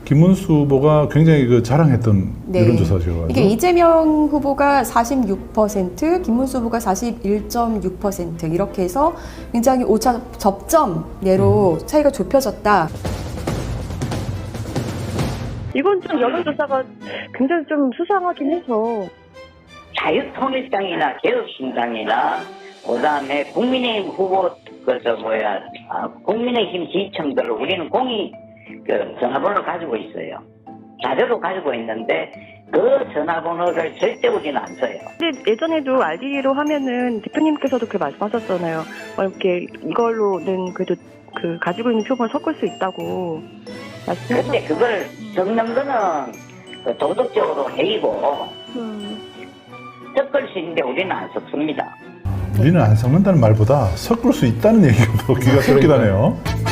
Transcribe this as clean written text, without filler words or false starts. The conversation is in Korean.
김문수 후보가 굉장히 그 자랑했던 네. 여론조사죠. 이게 이재명 후보가 46%, 김문수 후보가 41.6% 이렇게 해서 굉장히 오차 접점 내로 차이가 좁혀졌다. 이건 좀 여론조사가 굉장히 좀 수상하긴 해서. 자유통일당이나 개혁신당이나 그다음에 국민의힘 후보 국민의힘 지지층들을 우리는 공이 전화번호를 가지고 있어요. 자료도 가지고 있는데 그 전화번호를 절대 우리는 안 써요. 근데 예전에도 RD로 하면은 대표님께서도 그 말씀하셨잖아요. 이렇게 이걸로는 그래도 그 가지고 있는 표본을 섞을 수 있다고 말씀하셨어요. 근데 그걸 섞는 거는 도덕적으로 해이고 섞을 수 있는데 우리는 안 섞습니다. 우리는 안 섞는다는 말보다 섞을 수 있다는 얘기가 더 귀가 쏠깃하네요.